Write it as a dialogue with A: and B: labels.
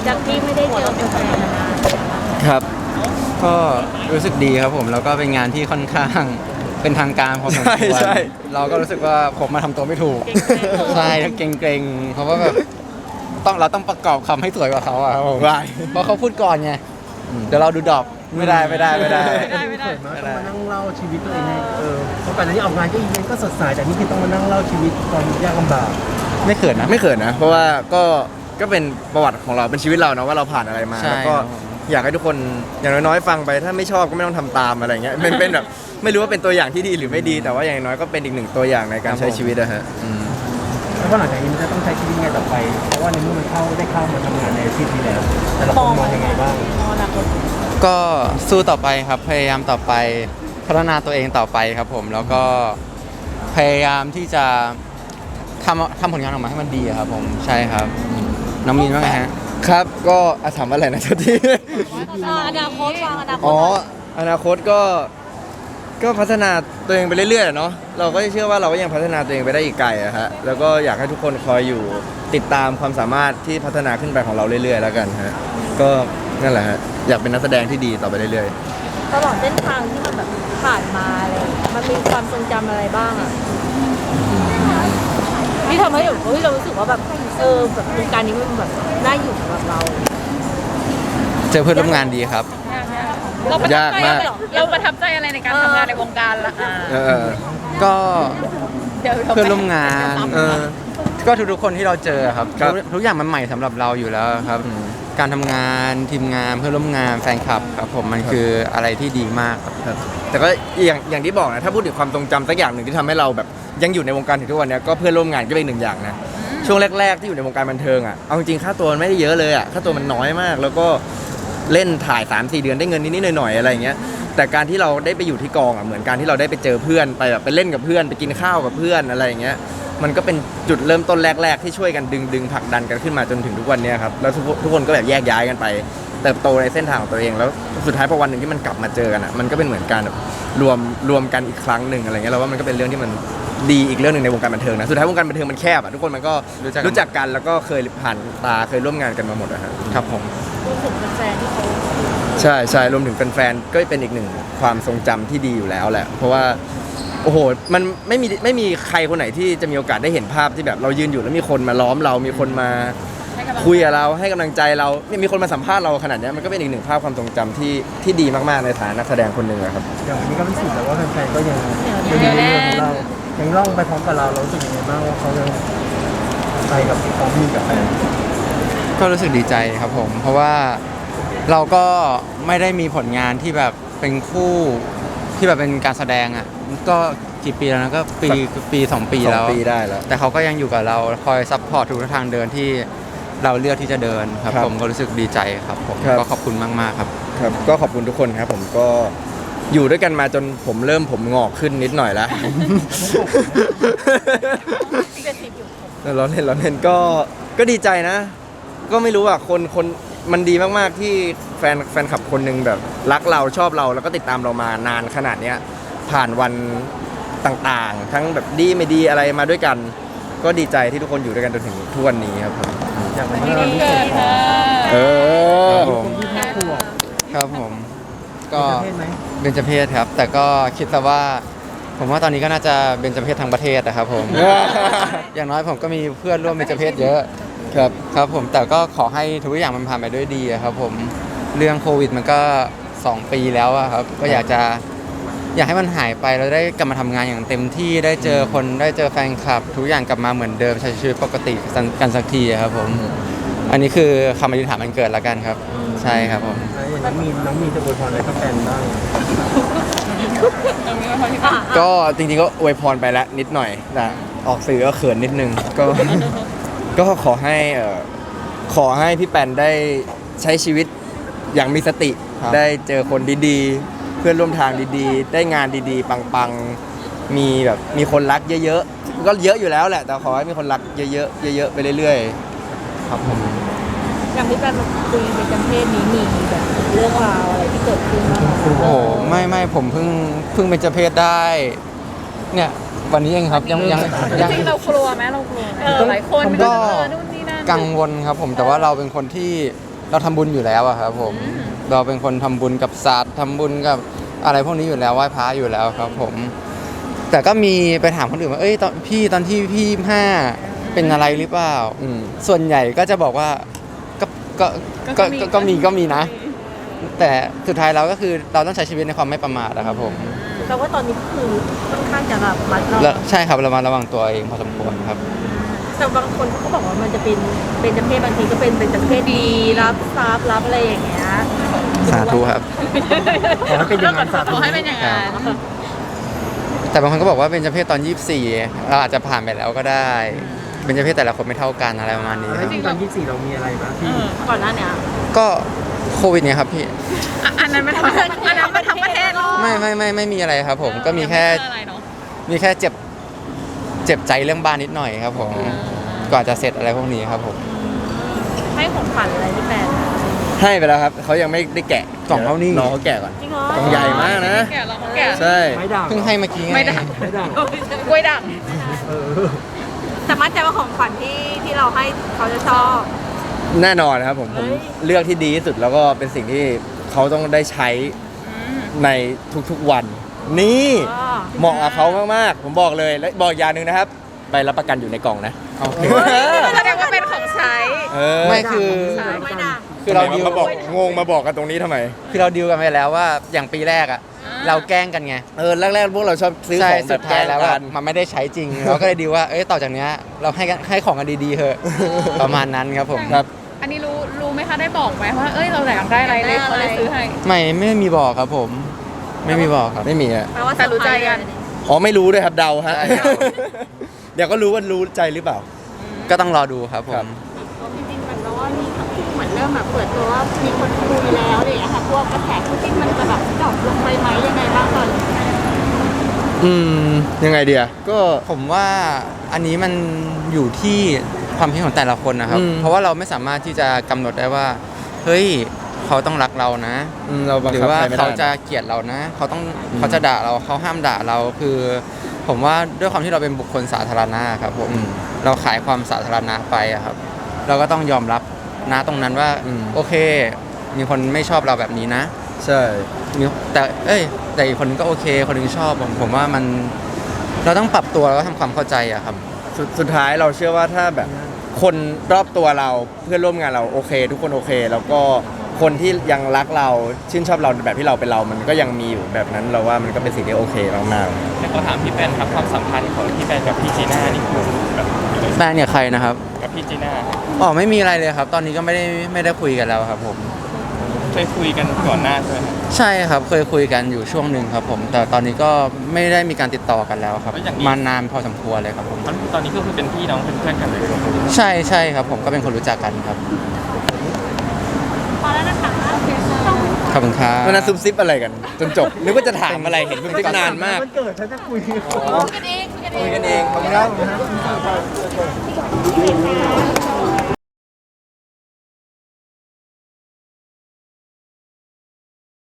A: จากที่ไม่ได้เจอแฟนๆนาน
B: ครับก็รู้สึกดีครับผมแล้วก็เป็นงานที่ค่อนข้างเป็นทางการพอสมควร
C: ใช่
B: เราก็รู้สึกว่าผมมาทำตัวไม่ถูกใช่เกรงๆเพราะว่าแบบเราต้องประกอบคำให้สวยกว่าเขาอะครับผม
C: ว้าย
B: เพราะเขาพูดก่อนไงเดี๋ยวเราดูดรอปไม่ได้
D: ไม่เขินมากต้องมานั่งเล่าชีวิตตัวเองให้เพราะก่อนหน้านี้ออกงานก็อีเวนต์ก็สดใสแต่นี่คือต้องมานั่งเล่าชีวิตความยากลำบาก
B: ไม่เขินนะ
C: ไม่เขินนะ เพราะว่าก็เป็นประวัติของเราเป็นชีวิตเราเนาะว่าเราผ่านอะไรมา
B: ใช่
C: แล้วก็อยากให้ทุกคนอย่างน้อยๆฟังไปถ้าไม่ชอบก็ไม่ต้องทำตามอะไรเงี้ยเป็นแบบไม่รู้ว่าเป็นตัวอย่างที่ดีหรือไม่ดี แต่ว่าอย่างน้อยก็เป็นอีกหนึ่งตัวอย่างในการใช้ชีวิตนะฮะ
D: แล้วก็หลังจากนี้มันจะต้องใช้ชีวิตยังไงต่อไปเพราะว่าในเมื่อมันได้เข้ามาทำงานในอาชีพนี้แล้วแต่ละคนมองยังไงบ้าง
A: มองอนาคต
B: ก็สู้ต่อไปครับพยายามต่อไปพัฒนาตัวเองต่อไปครับผมแล้วก็พยายามที่จะทำผลงานออกมาให้มันดีอะครับผมใช่ครับน้องมีนว่าไงฮะ
C: ครับก็ถามอะไรนะทุกที
A: อนาคตวางอนาคต
C: อ๋ออนาคตก็พัฒนาตัวเองไปเรื่อยๆเนาะเราก็เชื่อว่าเราก็ยังพัฒนาตัวเองไปได้อีกไกลอะฮะแล้วก็อยากให้ทุกคนคอยอยู่ติดตามความสามารถที่พัฒนาขึ้นไปของเราเรื่อยๆแล้วกันฮะก็นั่นแหละฮะอยากเป็นนักแสดงที่ดีต่อไปเรื่อยๆ
A: ตลอดเส้นทางที่มันแบบผ่านมาอะไรอย่างเงี้ยมันมีความทรงจำอะไรบ้างอ่ะที่ทำให้แบบเฮ้ยเรารู้สึกว่าแบบแบบวงการนี้มันแบบน่าอยู่สำหรับเรา
B: เจอเพื่อนร่วมงานดีครับ
A: เราประทับ
C: ยาก
A: ใจ
C: มาก
A: อะไรหรอเราประทับใจอะไรในการทำงานในวงการละ
C: เออ
B: ก็
A: เดี๋ยว
B: เพื่อนร่วมงาน
C: เออ
B: ก็ทุกๆคนที่เราเจอครับ
C: ครับ
B: ทุกอย่างมันใหม่สำหรับเราอยู่แล้วครับ การทำงานทีมงานเพื่อนร่วมงานแฟนคลับครับผมมันคืออะไรที่ดีมากครับ
C: ครับแต่ก็อย่างที่บอกนะถ้าพูดถึงความทรงจำสักอย่างหนึ่งที่ทำให้เราแบบยังอยู่ในวงการถึงทุกวันเนี้ยก็เพื่อนร่วมงานก็เป็นหนึ่งอย่างนะช่วงแรกๆที่อยู่ในวงการบันเทิงอ่ะเอาจริงๆค่าตัวมันไม่ได้เยอะเลยอ่ะค่าตัวมันน้อยมาก แล้วก็เล่นถ่าย 3-4 เดือนได้เงินนิดๆหน่อยๆอะไรอย่างเงี้ยแต่การที่เราได้ไปอยู่ที่กองอ่ะเหมือนการที่เราได้ไปเจอเพื่อนไปแบบไปเล่นกับเพื่อนไปกินข้าวกับเพื่อนอะไรอย่างเงี้ยมันก็เป็นจุดเริ่มต้นแรกๆที่ช่วยกันดึงผลักดันกันขึ้นมาจนถึงทุกวันเนี้ยครับแล้วทุกคนก็แบบแยกย้ายกันไปเติบโตในเส้นทางของตัวเองแล้วสุดท้ายพอวันหนึ่งที่มันกลับมาเจอกันอ่ะมันก็เป็นเหมือนการแบบรวมกันอีกครั้งหนึ่งอะไรเงี้ยเราว่ามันก็เป็นเรื่องที่มันดีอีกเรื่องหนึ่งในวงการบันเทิงนะสุดท้ายวงการบันเทิงมันแคบอ่ะทุกคนมันก็รู้จักกันแล้วก็เคยผ่านตาเคยร่วมงานกันมาหมดอะฮะ
B: ครับผม
A: รู้สึกแฟนๆที่เขา
C: ใช่ใช่รวมถึงแฟนๆก็เป็นอีกหนึ่งความทรงจำที่ดีอยู่แล้วแหละเพราะว่าโอ้โหมันไม่มีใครคนไหนที่จะมีโอกาสได้เห็นภาพที่แบบเรายืนอยู่แล้วมีคนมาล้อมเรามีคนมาคุยกับเราให้กำลังใจเรามีคนมาสัมภาษณ์เราขนาดเนี้ยมันก็เป็นอีกหนึ่งภาพความทรงจำที่ดีมากๆในฐานะนักแสดงคนหนึ่งอะครับ
D: อย่างวันนี้ก็รู้สึกแล้วว่าแฟนๆก็ยังอยู่ในเรื่องของเรายังล่องไปพร้อมกับเรารู้สึกยังไงบ้างว่าเขายังไปกับพร้อมมีกับแฟน
B: ก็รู้สึกดีใจครับผม เพราะว่าเราก็ไม่ได้มีผลงานที่แบบเป็นคู่ที่แบบเป็นการแสดงอ่ะก็กี่ปีแล้วนะก็ปี 2 ปี
C: สอ
B: แล้
C: ง
B: ว
C: ปีได้แล้ว
B: แต่เขาก็ยังอยู่กับเราคอยซัพพอร์ตทุกทางเดินที่เราเลือกที่จะเดินครับ
C: ครับ
B: ผมก็รู้สึกดีใจครับผม
C: ครับ
B: ก็ขอบคุณมากๆครับ
C: ครับก็ขอบคุณทุกคนครับผมก็อยู่ด้วยกันมาจนผมเริ่มผมงอกขึ้นนิดหน่อยแล้ว
A: ที่จะติดอยู่
C: เราเล่นก็ดีใจนะ ก็ไม่รู้อ่ะคนมันดีมากๆที่แฟนคลับคนหนึ่งแบบรักเราชอบเราแล้วก็ติดตามเรามานานขนาดเนี้ยผ่านวันต่างๆ ทั้งแบบดีไม่ดีอะไรมาด้วยกัน ก็ดีใจที่ทุกคนอยู่ด้วยกันจนถึงทุกวันนี้ครับผม
D: อย่างวันนี้เรารู้สึกของ
C: เออ
D: คนที่5 ขวบ
B: ครับผมก็
D: เป็นประเภทไหม
B: เบญจเพศครับ แต่ก็คิดซะว่า ผมว่าตอนนี้ก็น่าจะเบญจเพศทั้งประเทศนะครับผม อย่างน้อยผมก็มีเพื่อนร่วมเบญจเพศเยอะ
C: ครับ
B: ครับผมแต่ก็ขอให้ทุกอย่างมันผ่านไปด้วยดีอะครับผมเรื่องโควิดมันก็ 2 ปีแล้วอะครับก็อยากให้มันหายไปแล้วได้กลับมาทำงานอย่างเต็มที่ได้เจอคนได้เจอแฟนคลับ ทุกอย่างกลับมาเหมือนเดิมใช้ชีวิตปกติกันสักทีอะครับผมอันนี้คือคำอธิษฐานมันเกิดแล้วกันครับ ใช่ครับผม
D: แล้วอย่างน้องมีจะอวยพรอะไรกับแฟนบ้าง
C: ก็จริงๆก็อวยพรไปแล้วนิดหน่อยแต่ออกสื่อก็เขินนิดนึงก็ ก็ขอให้พี่แปนได้ใช้ชีวิตอย่างมีสติ ได้เจอคนดีๆ เพื่อนร่วมทางดีๆ ได้งานดีๆ ปังๆ มีคนรักเยอะๆ ก็เยอะอยู่แล้วแหละ แต่ขอให้มีคนรักเยอะๆเยอะๆไปเรื่อยๆครับผม
A: อย่างที่แฟนมาคุยเป็นจำเพศนี้มีแบบเรื่องราวอะไรที่เกิดขึ้นบ้างไหม
B: โอ้โหไม่ผมเพิ่งเป็นเจเพศได้ เนี่ยวันนี้เองครับยัง
E: จริงๆเรากลัวไหมเรากลัวไหมหลายคนไม่
B: ก็
E: รู้นู่นนี่นั่น
B: กังวลครับผมแต่ว่าเราเป็นคนที่เราทำบุญอยู่แล้วอะครับผมเราเป็นคนทำบุญกับศาสตร์ทำบุญกับอะไรพวกนี้อยู่แล้วไหว้พระอยู่แล้วครับผม แต่ก็มีไปถามคนอื่นว่าเอ้ยตอนที่พี่5เป็นอะไรหรือเปล่า ส่วนใหญ่ก็จะบอกว่าก็มีนะ แต่สุดท้ายเราก็คือเราต้องใช้ชีวิตในความไม่ประมาทนะครับผม
A: แต่ว่าตอนนี้ก็คือค่อนข้างจะแบบมัดเรา
B: แล้วใช่ครับเรามาระวังตัวเองพอสมควรครับ
A: แต่บางคนเขาก็บอกว่ามันจะเป็นจำเพศบางทีก็เป็นจำเพศดีรับทรัพย์รับอะไรอย่างเงี้ย
B: สาธุครับ
D: ขอให้เป็นอย่างนั้นสาธุ
E: ขอให้เป็นอย่างนั้น
B: แต่บางคนก็บอกว่าเป็นเจเพศตอน 24เราอาจจะผ่านไปแล้วก็ได้เป็นเจเพศแต่ละคนไม่เท่ากันอะไรประมาณนี้ค
D: แล้ว
B: รับ
D: จริงตอน24เรามีอะไรบ้างที่
A: ก่อนหน้าเนี้ย
B: ก็โควิดเนี่ยครับพี่
E: อันนั้นไม่ทั้งประเทศอันนั้นไม่ทั้งประเทศหรอก
B: ไม่มีอะไรครับผมก็มีแค่
E: ไม่เจออะไรเนอะ
B: มีแค่เจ็บใจเรื่องบ้านนิดหน่อยครับผมก่อนจะเสร็จอะไรพวกนี้ครับผม
A: ให้ของขวัญอะไรพี่แฟน
C: ให้ไปแล้วครับเขายังไม่ได้แกะ
B: กล่องเท่านี้
C: น้องเขาแกะก่อน
A: จริงเหรอก
C: ล่องใหญ่มากนะ
E: แกะเราเขาแกะ
C: ใช่
D: ไม่ด่าง
B: เพิ่งให้เมื่อกี้ไง
E: ไม่ได้
D: ไม่ด่าง
E: กล้วยด่าง
D: เออ
A: แต่มั่นใจว่าของขวัญที่เราให้เขาจะชอบ
C: แน่นอนครับผม
A: เฮ้ย
C: เลือกที่ดีที่สุดแล้วก็เป็นสิ่งที่เขาต้องได้ใช้ในทุกๆวัน นี่
A: อ๋อ
C: เหมาะกับเขามากๆผมบอกเลยและบอกอย่างหนึ่งนะครับใบรับประกันอยู่ในกล่องนะ
B: โอเค
E: แสดงว่าเป็นของใช้
B: ไม่คือ
A: ไม่ด่าง
B: คือเราดิว
C: มาบอกงงมาบอกกันตรงนี้ทำไม
B: คือเราดิวกันไปแล้วว่าอย่างปีแรกอะเราแกล้งกันไง
C: แรกๆพวกเราชอบซื้อ
B: ใช่
C: ของแบ
B: สุ
C: บ
B: ด
C: แก
B: ท้า
C: ล้
B: ย
C: ง
B: แล้ว
C: กั
B: อะ
C: น
B: มันไม่ได้ใช้จริง เราก็เลยดีว่าเอ้ยต่อจากเนี้ยเราให้ของกันดีๆเถอะประมาณนั้นครับผม
C: ครับ
E: อันนี้รู้ไหมคะได้บอกไหมว่าเอ้ยเราอยากได้อะไรเลยเขาเลยซื้อให้
B: ไม่มีบอกครับผม ไม่มีบอกครับ
C: ไม่มีอ่ะ
A: แปลว่า
E: แต่รู้ใจกัน
C: อ๋อไม่รู้ด้วยครับเดาฮะ
B: ใช่ครับ
C: เดี๋ยวก็รู้ว่ารู้ใจหรือเปล่า
B: ก็ต้องรอดูครับผ
C: ครั
B: ม
C: บ
A: จริงๆมันว่ามีเหมือนเริ่มแบบเปิดตัวว่ามีคนคุยแล้วอะไรอย่างเงี้ยค่ะพวกกระแสคู่จิ้นมันจะแบบดรอปลงไปไหมยังไงบ้างตอนนี้
C: ยังไงเดียก็
B: ผมว่าอันนี้มันอยู่ที่ความคิดของแต่ละคนนะครับ เพราะว่าเราไม่สามารถที่จะกำหนดได้ว่า เฮ้ยเขาต้องรักเรานะ
C: เราบัง
B: หรือ
C: คับ
B: ว่า
C: ใครไม่ได้
B: เขาจะเกลียดเรานะ เขาจะด่าเราเขาห้ามด่าเราคือ ผมว่าด้วยความที่เราเป็นบุคคลสาธารณะครับผมเราขายความสาธารณะไปอะครับ เราก็ต้องยอมรับนะตรงนั้นว่าโอเค มีคนไม่ชอบเราแบบนี้นะ
C: ใช่
B: มีแต่อีกคนนึงก็โอเค คนนึงชอบผมว่ามันเราต้องปรับตัวแล้วก็ทำความเข้าใจอะครับ
C: สุดท้ายเราเชื่อว่าถ้าแบบคนรอบตัวเราเพื่อนร่วมงานเราโอเค ทุกคนโอเค แล้วก็คนที่ยังรักเราชื่นชอบเราแบบที่เราเป็นเรามันก็ยังมีอยู่แบบนั้นเราว่ามันก็เป็นสิ่งที่โอเคมาก
F: แต่ก็ถามพี่แป้นครับความสัมพันธ์ของพี่แป้นกับพี่จีน่านี่คือแบบ
B: แฟนเนี่ยใครนะครับ
F: กับพี่จีน่า
B: อ๋อไม่มีอะไรเลยครับ ตอนนี้ก็ไม่ได้คุยกันแล้วครับผม
F: เคยคุยกันก่อนหน้าใช่ไหมครับ
B: ใช่ครับเคยคุยกันอยู่ช่วงหนึ่งครับผม แต่ตอนนี้ก็ไม่ได้มีการติดต่อกันแล้วครับมานานพอสมควรเลยครับผม
F: ตอนนี้ก็คือเป็นพี่น้องเป็นเพื่อนกันเลย
B: ใช่ครับผมก็เป็นคนรู้จักกันครับ
A: พอแล้วนะคะโอเคค่ะ
B: ขอบคุณครั
C: ๆ
B: บ
C: วันนั้นซุบซิบอะไรกัน จนจบนึกว่าจะถามอะไรเห็นซุบซิบนานมาก
D: มันเกิดฉันจะคุย
A: คุยกันเองคุยกันเอง
C: คุยกันเองขอบคุณครับ
A: โอเคค่ะ